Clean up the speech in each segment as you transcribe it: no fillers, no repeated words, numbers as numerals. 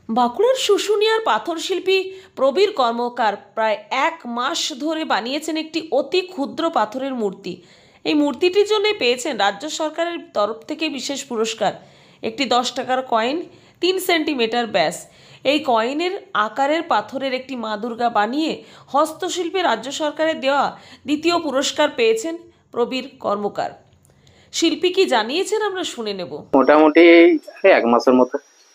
বাঁকুড়ার শুশুনিয়ার পাথর শিল্পী প্রবীর কর্মকার প্রায় 1 মাস ধরে বানিয়েছেন একটি অতি ক্ষুদ্র পাথরের মূর্তি। এই মূর্তিটির জন্য পেয়েছেন রাজ্য সরকারের তরফ থেকে বিশেষ পুরস্কার, একটি 10 টাকার কয়েন, 3 সেন্টিমিটার ব্যাস। এই কয়েনের আকারের পাথরের একটি মা দুর্গা বানিয়ে হস্তশিল্পে রাজ্য সরকারের দেওয়া দ্বিতীয় পুরস্কার পেয়েছেন প্রবীর কর্মকার। শিল্পী কি জানিয়েছেন আমরা শুনে নেব। মোটামুটি 1 মাসের মতো।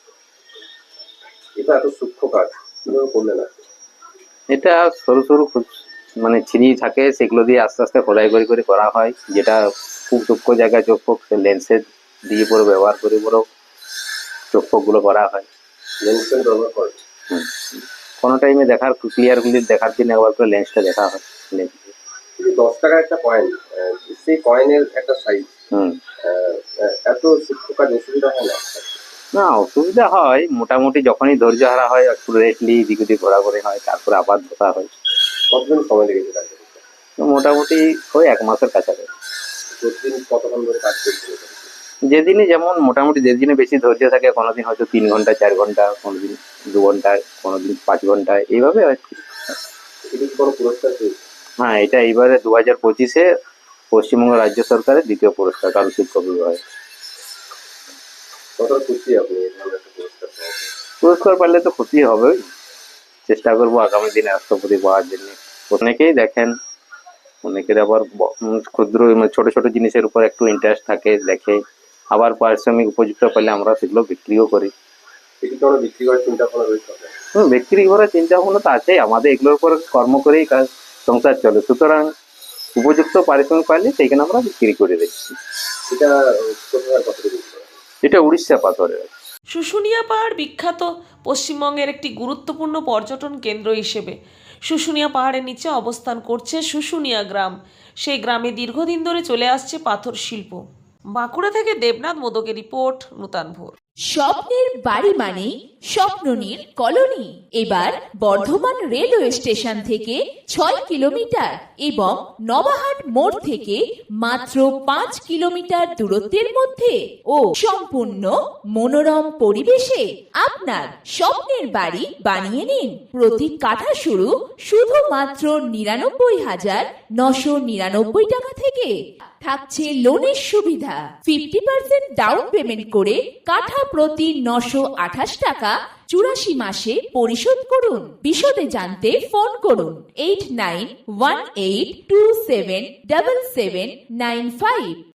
এটা এত সূক্ষ্ম কাজ কিভাবে করলেন আপনি? এটা সরু সরু মানে ছিরি থাকে, সেগুলো দিয়ে আস্তে আস্তে খোদাই করে করে করা হয়, যেটা খুব সূক্ষ্ম জায়গায় চোখ ফোক লেন্সের দিয়ে পুরো ব্যবহার করে পুরো চোখ ফোক গুলো করা হয়। লেন্সের ব্যবহার করেন? কোনো টাইমে দেখার ক্লিয়ার গুলি দেখার জন্য একবার করে লেন্সটা দেখা হয়। 10 টাকার একটা কয়েন, সেই কয়েনের একটা সাইজ, এত সূক্ষ্ম কাজ অসুবিধা হয় না? না, অসুবিধা হয় মোটামুটি, যখনই ধৈর্য হারা হয় একটু রেস্টলি দিক ওদিক ঘোরাঘুরি হয়, তারপরে আবার ধোকা হয়। কতদিন সময় লেগেছে কাজ করতে? মোটামুটি ওই 1 মাসের কাছাকাছি। প্রতিদিন কতক্ষণ ধরে কাজ করছিল? যেদিনই যেমন মোটামুটি, যেদিনে বেশি ধৈর্য থাকে, কোনোদিন হয়তো 3 ঘন্টা 4 ঘন্টা, কোনোদিন 2 ঘন্টা, কোনোদিন 5 ঘন্টা, এইভাবে আর কি। এটা কি কোনো পুরস্কার পেয়েছে? হ্যাঁ, এটা এইবারে 2025-এ পশ্চিমবঙ্গ রাজ্য সরকারের দ্বিতীয় পুরস্কার কারুশিল্প বিভাগে। কতটা খুশি আপনি এই ধরনের একটা পুরস্কার পাওয়ার? পুরস্কার পারলে তো খুশি হবে, চেষ্টা করবো আগামী দিনে রাষ্ট্রপতি পাওয়ার জন্য। অনেকেই দেখেন, অনেকের আবার ক্ষুদ্র ছোট ছোট জিনিসের উপর একটু ইন্টারেস্ট থাকে, দেখে, আবার পারিশ্রমিক উপযুক্ত পেলে আমরা সেগুলো বিক্রিও করি। এটি কি আমরা বিক্রি করার চিন্তা ভাবনা রয়েছে? বিক্রি করার চিন্তা ভাবনা তো আছে আমাদের, এগুলোর উপর কর্ম করেই কাজ সংসার চলে, সুতরাং উপযুক্ত পারিশ্রমিক পাইলে সেইখানে আমরা বিক্রি করে দিচ্ছি। এটা কোথায় কত বিক্রি করা? এটা উড়িষ্যা পাথরের। শুশুনিয়া পাহাড় বিখ্যাত পশ্চিমবঙ্গের একটি গুরুত্বপূর্ণ পর্যটন কেন্দ্র হিসেবে। শুশুনিয়া পাহাড়ের নিচে অবস্থান করছে শুশুনিয়া গ্রাম। সেই গ্রামে দীর্ঘদিন ধরে চলে আসছে পাথর শিল্প। বাঁকুড়া থেকে দেবনাথ মোদকের রিপোর্ট, নূতন ভোর। স্বপ্নের বাড়ি মানে স্বপ্ননীর কলোনি এবার বর্ধমান রেলওয়ে স্টেশন থেকে 6 কিলোমিটার এবং নবাহাট মোড় থেকে মাত্র 5 কিলোমিটার দূরত্বের মধ্যে ও সম্পূর্ণ মনোরম পরিবেশে আপনার স্বপ্নের বাড়ি বানিয়ে নিন। প্রতি কাঠা শুরু শুধুমাত্র 99,999 টাকা থেকে। থাকছে লোনের সুবিধা, 50% ডাউন পেমেন্ট করে কাঠা প্রতি 928 টাকা 84 মাসে পরিশোধ করুন। বিশদে জানতে ফোন করুন 8918277795।